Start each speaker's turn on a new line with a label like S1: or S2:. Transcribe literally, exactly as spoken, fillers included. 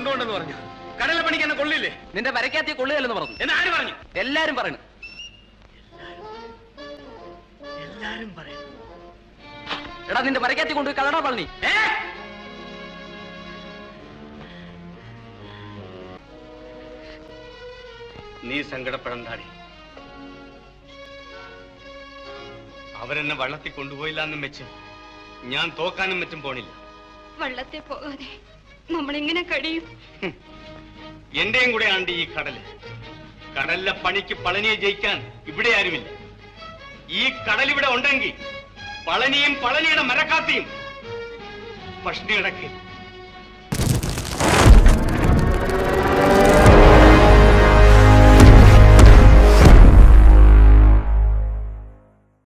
S1: കൊണ്ടുപോണ്ടെന്ന് പറഞ്ഞു. കടല പണിക്ക് എന്നെ കൊള്ളില്ലേ?
S2: നിന്റെ വരയ്ക്കാത്തിയ കൊള്ളുകയല്ലെന്ന് പറഞ്ഞു.
S1: എന്ന് ആര് പറഞ്ഞു?
S2: എല്ലാരും പറയണു.
S1: എല്ലാരും പറയണു.
S2: എടാ നിന്റെ വരയ്ക്കാത്തി കൊണ്ട് കളടാ പളനി.
S1: നീ സങ്കടപ്പെടണ്ടാടി. അവരെന്നെ വള്ളത്തിൽ കൊണ്ടുപോയില്ല എന്നും വെച്ച് ഞാൻ തോക്കാനും മറ്റും പോണില്ല.
S3: വള്ളത്തെ പോകാതെ നമ്മളെങ്ങനെ കഴിയും?
S1: എന്റെയും കൂടെ ആണ്ട് ഈ കടല്. കടലിലെ പണിക്ക് പളനിയെ ജയിക്കാൻ ഇവിടെ ആരുമില്ല. ഈ കടലിവിടെ ഉണ്ടെങ്കിൽ പളനിയും പളനിയുടെ മരക്കാത്തിയും പഷ്ണി കിടക്ക്